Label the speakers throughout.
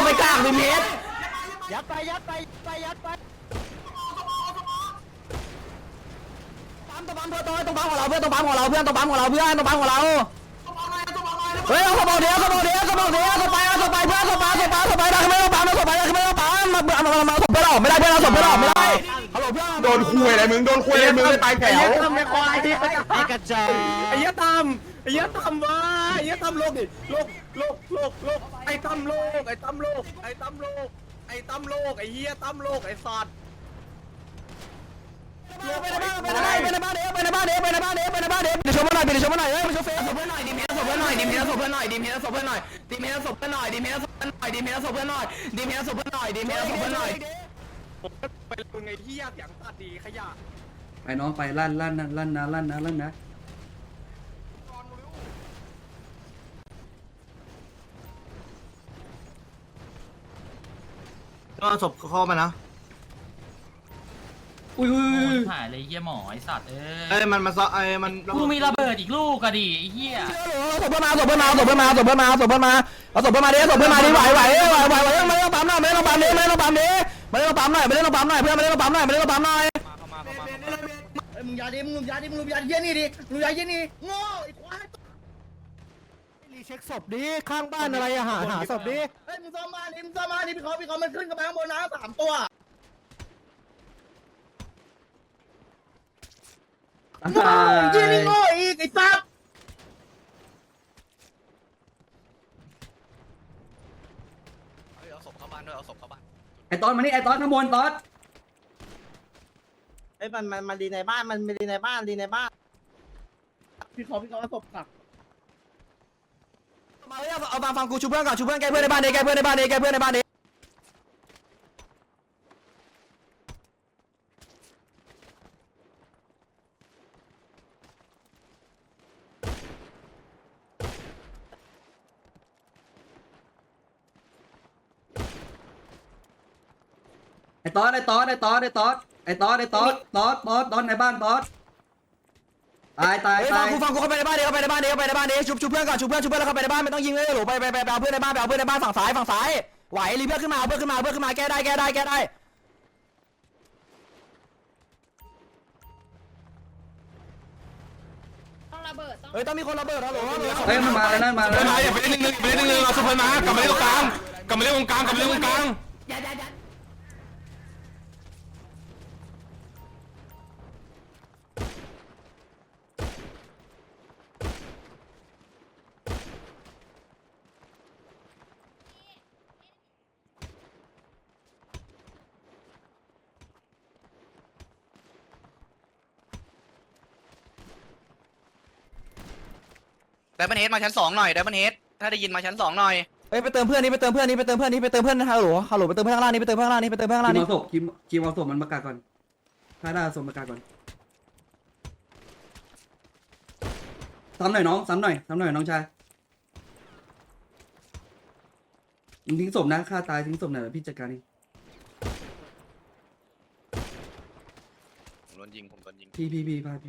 Speaker 1: ไปกลางดิเมตร
Speaker 2: ยัดไป
Speaker 1: ปั๊มเพื่อนต้องปั๊มของเราเพื่อนต้องปั๊มของเราเพื่อนต้องปั๊มของเราเพื่อนต้องปั๊มของเราเฮ้ยเขาบอกเดี๋ยวเขาไปเพื่อนเขาไปเพื่อนเขาไปได้ไม่ต้องปั๊มเราเขาไปได้ไม่ต้องปั๊มมาเพื่อนออกไม่ได้เพื่อนเราส่งเพื่อนออกไม่ได้ฮัลโหลเพื่อน
Speaker 3: โดนคุยอะไรมึงโดนคุยอะไรมึงไปแถว
Speaker 2: ทำไม่ควายไอ้กระจอก
Speaker 4: ไอ้เหี้ยตำไอ้เหี้ยตำวะไอ้เหี้ยตำโลกดิโลกไอ้ตำโลกไอ้ตำโลกไอ้ตำโลกไอ้ตำโลกไอ้เหี้ยตำโลกไอ้สัตว์
Speaker 1: ไปในบ้านเดี๋ยวชมมาหน่อยเฮ้ยมาชมเฟซศพเพื่อนหน่อยดิเมสศพเพื่อนหน่อยดิเมสศพเพื่อนหน่อย
Speaker 4: ผมไปเป็นไงเหี้ยเสียงตัดดีขยะ
Speaker 5: ไปน้องไปลั่นนะ
Speaker 2: ก็ศพเข้ามานะ
Speaker 5: อุ้ย
Speaker 6: หายเลยเหี้ยหมอไอ้สัตว์
Speaker 2: เอ้ยมันมาซ้อมัน
Speaker 6: กูมีระเบิดอีกลูกก็ดิไอ้เหี้ย
Speaker 1: ศพเพื่อนมาดิไหวเอาศพเพื่อนมาดิไม่ต้องปั๊มหน่อยไม่ต้องปั๊มหน่อยเพื่อนไม่ต้องปั๊มหน่อย
Speaker 2: มึงยาดิมึงยาเยี่ยนี่ดิมึงยาเยี่ยนี่โง่ไอ้ควายรีเช็คศพดิข้างบ้านอะไรอะหาศพดิเฮ้ยมึงซ่อมมาดิพี่เขามันขึ้นกระแพงบนน้ำ3 ตัวโง่เยี่ยนี่โง่อีกไอ้ซับ
Speaker 4: เอาศพเข้าบ้านด้วยเอาศพเข้าบ้าน
Speaker 5: ไอตอนมานี่ไอตอนข้างบนตอน
Speaker 2: ไอ้มันดีในบ้านมันดีในบ้านพี่เขาศพกัก
Speaker 1: มาเอาฟังกูชูเพื่อนก่อนชูเพื่อนแกเพื่อนในบ้านดิ
Speaker 5: ไอตอนในบ้านตอนตาย
Speaker 1: ฟังกูเข้าไปในบ้านดิชูเพื่อนก่อนชูเพื่อนแล้วเข้าไปในบ้านไม่ต้องยิงเลยหรอไปเอาเพื่อนในบ้านฝั่งซ้ายไหวรีเพื่อนขึ้นมาแก้ได้
Speaker 7: ต้องระเบิดต้อง
Speaker 1: เฮ้ยต้องมีคนระเบิดแล้วหรอ
Speaker 5: เฮ้ยมันมาแล้วนั่นมาแล้ว
Speaker 3: อย่าไปเล่นหนึ่งเราสุพรรณมากลับมาเล่นตรงกลางกลับมาเล่นตรงกลาง
Speaker 4: ไดมอนเฮดมาชั้น2หน่อยไดมอนเฮดถ้าได้ยินมาชั้น2หน่อย
Speaker 1: เฮ้ยไปเติมเพื่อนนี่ไปเติมเพื่อนฮัลโหลไปเติมเพื่อนข้างล่างนี่
Speaker 5: คิมเอาศพมันประกาศก่อนถ้าได้ศพประกาศก่อนซ้ำหน่อยน้องชายทิ้งศพนะฆ่าตายทิ้งศพหน่อยพี่จัดการเอง
Speaker 4: ผมโดนยิง
Speaker 5: พี่พา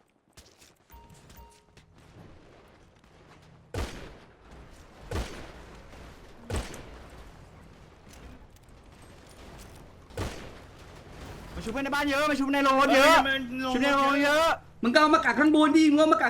Speaker 1: มาชูเพื่อนในบ้านเยอะมาชูในโรงเยอะ
Speaker 5: มึงก็เอามากักข้างบนดิ
Speaker 7: ไม่ระเบิด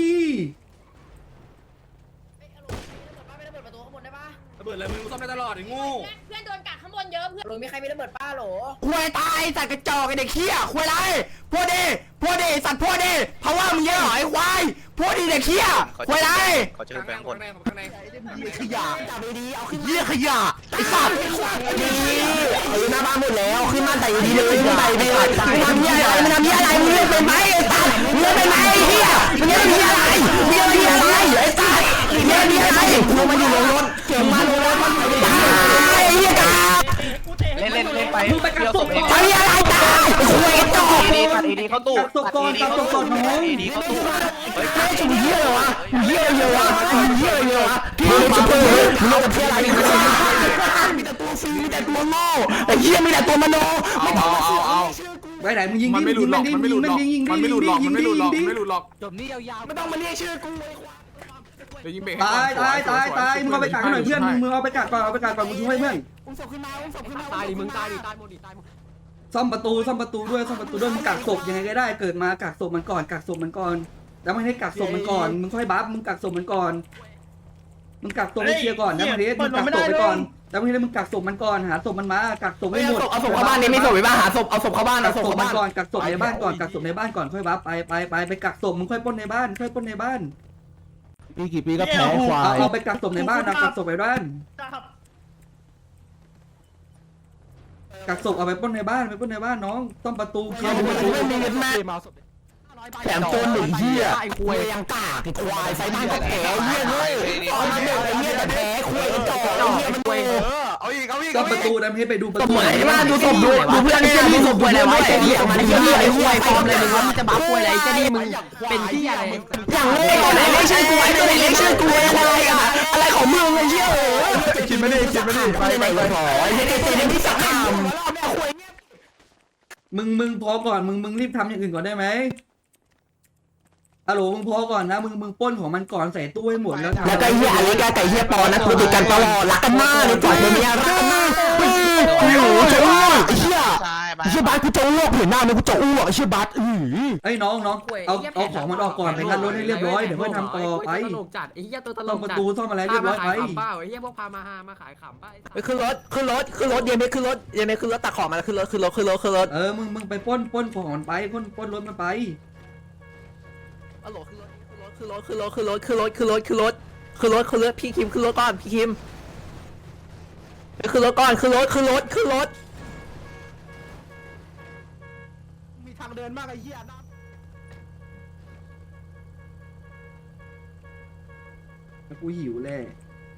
Speaker 7: ประตูข้างบนได้ปะ
Speaker 4: ระเบิดอะไรมึงซ่อมได้ตลอดไอ้โง่
Speaker 7: เพื่อนโดนกัดข้างบนเยอะเพื่อนหรือมีใครมีระเบิดป้าหรอ
Speaker 1: ควยตายสัตว์กระจอกไอเด็กเขี้ยควยไรพวกดีสัตว์พวกดีเพราะว่ามึงเยอะหรอไอ้ควายพวกดีเด็กเขี้ยควยไร
Speaker 4: ขอเจอแบงค์คน
Speaker 1: ขยะจับดีเอาขึ้นเยี่ยขยะไอ้สัตว์ดีหน้าบ้านหมดแล้วขึ้นมาแต่ดีเลยขึ้นไปดีมึงทำเยี่ยอะไรมึงเป็นไหมไอ้สัตว์มึงเป็นไหมไอ้เหี้ยมึงเป็นอะไรไอ้สัตว์มีอะไรมึงมาอยู่ในรถเก่งมาเลยมันตายเหี้ยกา
Speaker 4: เล่นไปเดี๋ยวศพเอง
Speaker 1: ทำอะไรตายคุยกันต่อ
Speaker 4: ตัดดีเข้าตู้ตัดดีเข้าตู้
Speaker 1: เฮ้ยชุบเหี้ยเลยวะเหี้ยเยอะพี่ชุบเพื่อนเราจะเพื่ออะไรมีแต่ตัวฟรีมีแต่ตัวโง่ไอ้เหี้ยมีแต่ตัวมโน
Speaker 3: เอา
Speaker 5: ไว้ไหนมึงยิง
Speaker 3: มันไม่หลุดหรอกจบนี่ยาว
Speaker 1: ไม่ต้องมาเรียกชื่อกูเลย
Speaker 3: เดี๋ยวยิงเบรก
Speaker 5: ตายมึงเอาไปกักให้หน่อยเพื่อนมึงเอาไปกักก่อนมึงช่วยเพื่อน
Speaker 1: ตายดิมึงตายดิตายหมดดิตายหมด
Speaker 5: ซ่อมประตูด้วยมึงกักศพยังไงก็ได้เกิดมากักศพมันก่อนแล้วไม่ให้กักศพมันก่อนมึงค่อยบัฟมึงกักศพมันก่อนมึงกักศพให้เคลียร์ก่อนนะมาเดมึงกักศพไปก่อนแล้วไม่ให้มึงกักศพมันก่อนหาศพมันมากักศพให้หมด
Speaker 1: เอาศพเข้าบ้านนี่ไม่ศพไปบ้านหาศพเอาศพเข้าบ้าน
Speaker 5: กั
Speaker 1: เอา
Speaker 5: ก
Speaker 1: ศพ
Speaker 5: ศพ
Speaker 1: เข้า
Speaker 5: มัน
Speaker 1: บ้าน
Speaker 5: ก่อนกักศพในบ้านก่อนค่อยบัฟไปกักศพมึงค่อยปล้นในบ้าน
Speaker 2: ปีกี่ปีก็แพ้ควาย
Speaker 5: เอาไปกักศพในบ้านกักศพไปบ้านกักศพเอาไปปล้นในบ้านน้องต้อมประตูเคลียร์ประตู
Speaker 1: แถมโจนหนึ่งเหี้ยไอ้ควายยังกากไอ้ควายไฟบ้านก็แพ้เหี้ยเลยเอามาเบรกไอ้เหี้ยแต่แพ้ควายกระจอกไอ้เหี้ยมันเว้ย
Speaker 3: เอาอีก
Speaker 5: ต้อมประตูดันให้ไปดูประ
Speaker 1: ศ
Speaker 5: ตู
Speaker 1: พไหนมาดูศพดูเพื่อนเนี่ยดูศพป่วยอะไรวะไอ้เหี้ยมันเหี้ยไอ้ควายฟอร์มอะไรมึงวะมันจะบ้าป่วยอะไรจะดีมึงเป็นที่อะไรอย่างเล่ตัวไหนไม่ใช่กูไอ้ตัวไหนไม่ใช่กูอะไรอะอะไรของมึงไอ้เหี้ย
Speaker 3: คิดไม่ได้
Speaker 1: ไปไหนเลยพอไอ้เหี้ยเจ๊ที่สักคำ
Speaker 5: มึงพอก่อนมึงรีบทำอย่างอื่นก่อนได้ไหมฮัลโหลมึงพอก่อนนะมึงปล้นของมันก่อนใส่ตู้ให้หมดแล้ว
Speaker 1: แล้วก็เหี้ยอะไรก็ไก่เหี้ยปอนะคุยกันตลอดรักกันมากเลยจ่อยเมียรักกันมากโอ้โหจะอ้วกไอ้เหี้ยไอ้เหี้ยบาสกูจะอ้วกเห็นหน้ามึงกูจะอ้วกไอ้เหี้ยบาส
Speaker 5: ไอ้น้องเอาของมันออกก่อนไปงัดรถให้เรียบร้อยเดี๋ยวค่อยทำต่อไป
Speaker 8: ตลกจัดไอ้เหี้ยตัวตล
Speaker 5: ซ่อม
Speaker 8: ก
Speaker 5: ประ
Speaker 8: จัด
Speaker 5: ตูซ่อมอะไรเรียบร้อยไป
Speaker 8: ขำเปล่าไอ้เหี้ยพวกพามาขายขำป่ะ
Speaker 1: ขึ้นรถเย็นไม่ขึ้นรถตักของมาขึ้นรถ
Speaker 5: มึงไปปล้นของมันไปปล้นรถมันไป
Speaker 1: ฮัลโหลขึ้นรถพี่คิมขึ้นรถก่อนพี่คิมขึ้นรถก่อนขึ้นรถ
Speaker 2: มีทางเดินมากไอ้เหี้ยนะ
Speaker 5: กูหิวแล่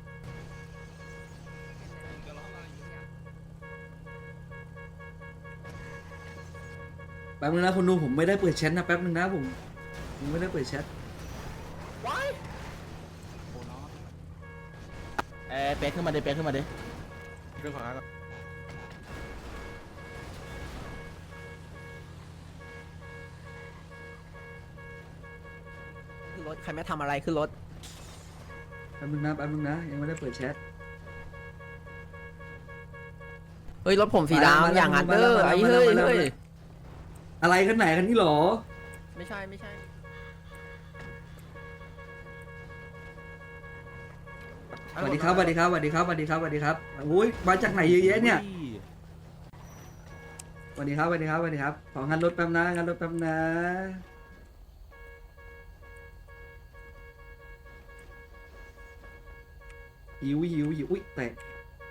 Speaker 5: แป๊บนึงนะคุณดูผมไม่ได้เปิดแชทนะแป๊บนึงนะผมไม่ได้เปิดแชท
Speaker 1: เป๊กขึ้นมาดิ
Speaker 3: เรื่องของอะไร
Speaker 1: ขึ้นรถใครไม่ทำอะไรขึ้นรถ
Speaker 5: แป๊บนึงนะยังไม่ได้เปิดแชท
Speaker 1: เฮ้ยรถผมสีดำอย่างนั้นเด้อไอ้เฮ้ย
Speaker 5: อะไรกันไหนกันนี่หรอ
Speaker 1: ไม่ใช่
Speaker 5: สวัสดีครับโอ้ยมาจากไหนเยอะแยะเนี่ยสวัสดีครับของงานรถแป๊บนะหิวอุ้ยแตก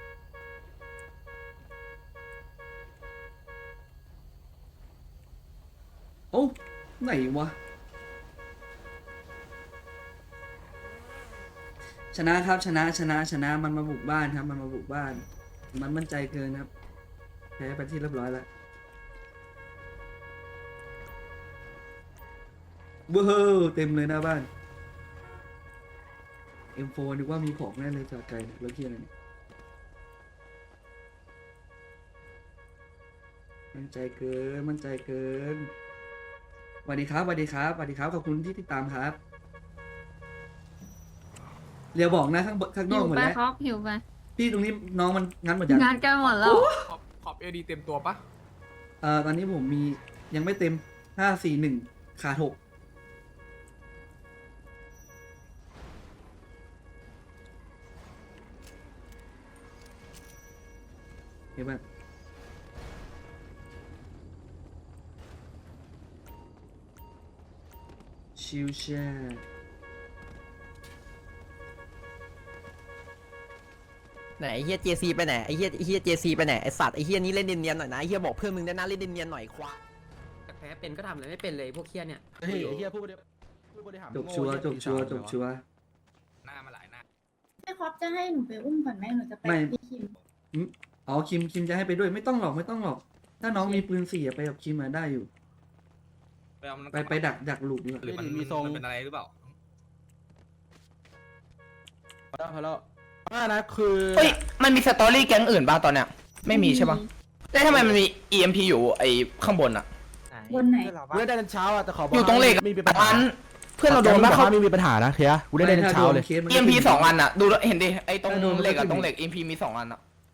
Speaker 5: โอ้ไหนวะชนะครับชนะมันมาบุกบ้านครับมันมั่นใจเกินครับแพ้ไปที่เรียบร้อยแล้วว้าวเต็มเลยหน้าบ้าน M4 นึกว่ามีของแน่เลยจอดไกลรถเกียร์อะไรเนี่ยมั่นใจเกินสวัสดีครับขอบคุณที่ติดตามครับเรียวบอกนะข้างนอกหมดแล้ว
Speaker 9: หิวไป
Speaker 5: พี่ตรงนี้น้องมันงั้นหมดยัง
Speaker 9: งานกันหมดแล้ว
Speaker 3: ขอบเอดีเต็มตัวปะ
Speaker 5: ตอนนี้ผมมียังไม่เต็ม541ขาด6เห็นไหมชิวแช่
Speaker 1: ไหนไอ้เฮีย JC ไปไหนไอ้เฮีย JC ไปไหนไอ้สัตว์ไอ้เฮียนี้เล่นเนียนๆหน่อยนะไอ้เฮียบอกเพื่อนมึงได้นะเล่นเนียนๆหน่อยควาย
Speaker 8: แพ้เป็นก็ทำอะไรไม่เป็นเลยพวกเหี้ยเนี่ย
Speaker 2: เฮ้ยไอ้เหี้ยผู้บริหาร
Speaker 5: จบชัวร์
Speaker 3: หน้ามาหลายหน้า
Speaker 9: พี่คอปจะให้หนูไปอุ้มก่อนไหมหนูจะไปพี่คิม
Speaker 5: อ๋อคิมจะให้ไปด้วยไม่ต้องหรอกถ้าน้องมีปืน4ไปกับคิมมาได้อยู่ไปดักหลุมดีกว่า
Speaker 3: หรือมันเป็นอะไรหรือเปล่า
Speaker 2: พอแล้วนะคือ
Speaker 1: เฮ้ยมันมีสตอรี่แก๊งอื่นบ้างตอนเนี้ยไม่มีใช่ปะแล้วทำไมมันมี EMP อยู่ไอ้ข้างบนอะ
Speaker 9: บนไหน
Speaker 2: เมื่อได้กันเช้าอ่ะแต่ขอบอก
Speaker 1: อยู่ตรงเหล็ก
Speaker 2: มีปัญหา
Speaker 1: อันเพื่อนเราโดนบ้าเขามีปัญหานะเคียกูได้เล่นเช้าเลย
Speaker 5: เคสมัน
Speaker 3: EMP 2 อันอ่ะดูเห็นดิไอ้ตรงเหล็กอ่ะตรงเหล็ก EMP มี2 อันอ่ะ